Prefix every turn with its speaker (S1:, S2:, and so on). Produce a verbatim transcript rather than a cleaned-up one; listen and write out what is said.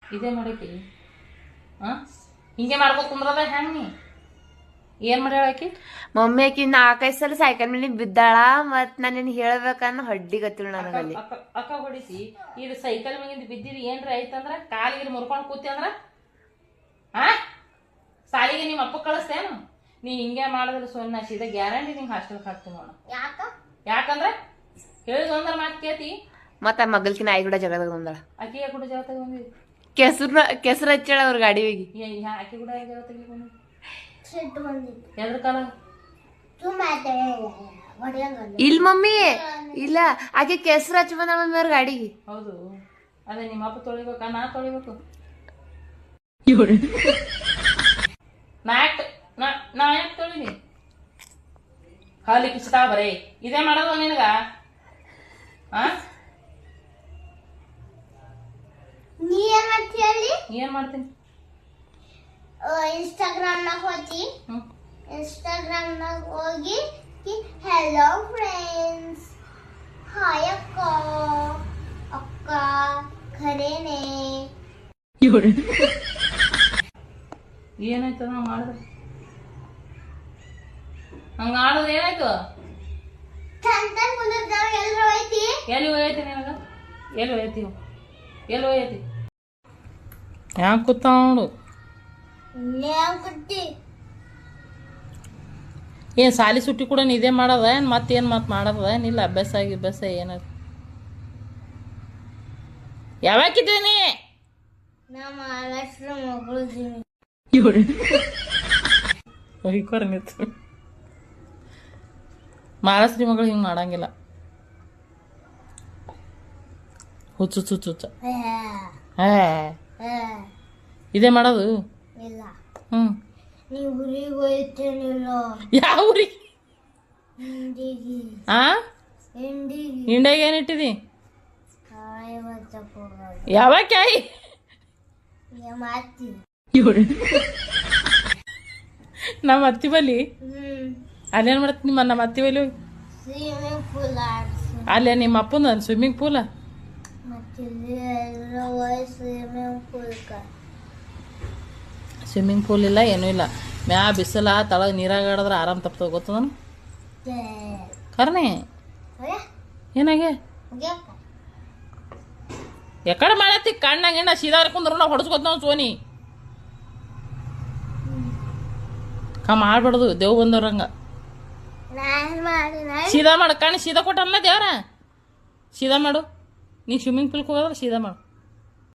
S1: ಇದೇ ಮಾಡಕ್ಕೆ ಹಾಂ ಹಿಂಗೆ ಮಾಡ್ಕೊತ ಕುಂದ್ರದ ಹೆಂಗೆ ನೀ ಏನು ಮಾಡಿ ಹೇಳಾಕಿ
S2: ಮಮ್ಮಿ ಆಕಿ ನಾಲ್ಕೈದು ಸಲ ಸೈಕಲ್ ಮೇಲೆ ಬಿದ್ದಾಳ ಮತ್ತು ನಾನು ಹೇಳ್ಬೇಕನ್ನ ಹೊಡ್ಡಿ ಗೊತ್ತಿಲ್ಲ ನನಗಲ್ಲಿ
S1: ಅಕ್ಕ ಅಕ್ಕ ಹೊಡಿಸಿ ಇದು ಸೈಕಲ್ ಮ್ಯಾಗಿಂದ ಬಿದ್ದಿರಿ ಏನ್ರ ಐತಂದ್ರೆ ಕಾಲಿಗೆ ಮುರ್ಕೊಂಡು ಕೂತಿ ಅಂದ್ರೆ ಹಾಂ ಸಾಲಿಗೆ ನಿಮ್ಮ ಅಪ್ಪ ಕಳಿಸ್ತೇನು ನೀ ಹಿಂಗೆ ಮಾಡಿದ್ರೆ ಸೊನ್ನ ಸೀದಾ ಗ್ಯಾರಂಟಿ ನಿಂಗೆ ಹಾಸ್ಟೆಲ್ಗೆ ಹಾಕ್ತೀನಿ ನೋಡ
S2: ಯಾಕ
S1: ಯಾಕಂದ್ರೆ ಹೇಳಿದ್ರೆ ಮಾತು ಕೇತಿ
S2: ಮತ್ತು ಆ ಮಗಲ್ಕಿ ನಾಯಿ ಕೂಡ ಜಗಳ ಬಂದಾಳ
S1: ಆಕಿಗೆ ಕೂಡ ಜಗಳ ತಗೊಂಡಿದ್ದಿ
S2: ಕೆಸರು ಕೆಸರು ಹಚ್ಚಾಳ ಅವ್ರ ಗಾಡಿ ಹೋಗಿ
S1: ಆಕಿ ಕೂಡ ಜಗಳ ತೆಗಿಕೊಂಡು ಎದ್ರ ಕಾಲ
S2: ಇಲ್ಲ ಮಮ್ಮಿ ಇಲ್ಲ ಆಕೆ ಕೆಸರು ಹಚ್ಚಿ ಬಂದ ಮಮ್ಮಿ ಅವ್ರ ಗಾಡಿಗೆ
S1: ಹೌದು ಅದೇ ನಿಮ್ಮ ಅಪ್ಪ ತೊಳಿಬೇಕಾ ನಾ ತೊಳಿಬೇಕು ನಾ ಯಾಕೆ ನಾ ನಾ ಯಾಕೆ ತೊಳಿನಿ ಹಾಲಿ ಕಿಸ್ತಾ ಬರೇ ಇದೇ ಮಾಡೋದು ನಿನಗ ಆ
S3: ನೀ ಏನ್ ಮಾಡ್ತಿ ಅಲ್ಲಿ
S1: ಏನ್ ಮಾಡ್ತೀನಿ
S3: ಇನ್ಸ್ಟಾಗ್ರಾಮ್ ನಾಗ ಹೋಗಿ ಇನ್ಸ್ಟಾಗ್ರಾಮ್ ನಾಗ ಹೋಗಿ ಹೆಲೋ ಫ್ರೆಂಡ್ಸ್ ಹಾಯ್ ಅಕ್ಕ ಅಕ್ಕ ಖರೇನೆ
S1: ಏನಾಯ್ತು ನಾವು ಮಾಡಿದ್ರೆ ಹಂಗ ಆಡೋದು ಏನಾಯ್ತು
S3: ಚಂದ ಕುಂದಿರ್ತಾವ ಎಲ್ರ ಹೋಯ್ತಿ
S1: ಎಲ್ಲಿ ಹೋಯ್ತಿ ನಿನಗ ಎಲ್ಲಿ ಹೋಯ್ತಿ ಎಲ್ಲಿ ಹೋಯ್ತಿ ಯಾಕೆ ಕೂತ ನೋಡು
S3: ನ್ಯಾವ್ ಕುಟ್ಟಿ
S1: ಏನು ಸಾಲಿ ಸುಟ್ಟಿ ಕೂಡ ಇದೇ ಮಾಡೋದ ಏನು ಮತ್ತೇನು ಮತ್ತೆ ಮಾಡೋದ ಏನಿಲ್ಲ ಅಭ್ಯಾಸ ಆಗಿ ಅಭ್ಯಾಸ ಏನದ ಯಾವಾಗಿದ್ದೀನಿ
S3: ನಾ ಮಹಾರಾಷ್ಟ್ರ ಮಗಳು
S1: ಹೊಯ್ಕೊರ ನಿಂತು ಮಹಾರಾಷ್ಟ್ರಿ ಮಗಳು ಹಿಂಗೆ ಮಾಡಂಗಿಲ್ಲ ಹುಚ್ಚು ಹುಚ್ಚು ಹುಚ್ಚ ಹೇ ಇದೇ ಮಾಡೋದು
S3: ಇಲ್ಲ
S1: ಹ್ಞೂ
S3: ನೀವು ಊರಿಗೆ ಹೋಯ್ತೇನಿಲ್ಲ
S1: ಯಾವ ಊರಿಗೆ
S3: ಹಿಂದಿಗಿ
S1: ಆ
S3: ಹಿಂದಿಗಿ
S1: ಇಂಡಿಯಾಗ ಏನು ಇಟ್ಟಿದಿ
S3: ಕಾಯಿ ಬರ್ತಕ್ಕೆ ಹೋಗೋದು
S1: ಯಾವಾಗ ಕಾಯಿ
S3: ಮಾತಿ
S1: ನಮ್ಮ ಅತ್ತಿ ಬಲಿ
S3: ಹ್ಮ್
S1: ಅಲ್ಲೇನು ಮಾಡತ್ತಿ ನಿಮ್ಮ ನಮ್ಮ ಅತ್ತಿ ಬಲಿ
S3: ಸ್ವಿಮ್ಮಿಂಗ್ ಪೂಲ್ ಆಡ್ಸಿ
S1: ಅಲ್ಲೇ ನಿಮ್ಮ ಅಪ್ಪನ ಸ್ವಿಮ್ಮಿಂಗ್ ಪೂಲ
S3: ಮತ್ತೆ ಎಲ್ಲ ಹೋಗಿ ಸ್ವಿಮ್ಮಿಂಗ್ ಪೂಲ್ಕ
S1: ಸ್ವಿಮ್ಮಿಂಗ್ ಪೂಲ್ ಇಲ್ಲ ಏನೂ ಇಲ್ಲ ಮ್ಯಾ ಬಿಸಿಲ ತಳಗ ನೀರಾಗ ಆಡಿದ್ರೆ ಆರಾಮ್ ತಪ್ತದ ಗೊತ್ತ ನಾನು ಕರ್ನೆ ಏನಾಗೆ ಎಕಡೆ ಮಾಡತ್ತಿ ಕಣ್ಣಾಗ ಎಣ್ಣ ಸೀದಾ ಕುಂದ್ರ ನಾವು ಹೊಡ್ಸ್ಕೊತ ನಾವು ಸೋನಿ ಕಾ ಮಾಡ್ಬಾರ್ದು ದೇವ್ ಬಂದವ್ರಂಗ ಸೀದಾ ಮಾಡು ಕಣ್ಣು ಸೀದಾ ಕೊಟ್ಟಲ್ಲ ದೇವ್ರ ಸೀದಾ ಮಾಡು ನೀ ಸ್ವಿಮ್ಮಿಂಗ್ ಪೂಲ್ಗೆ ಹೋಗೋದ್ರೆ ಸೀದಾ ಮಾಡು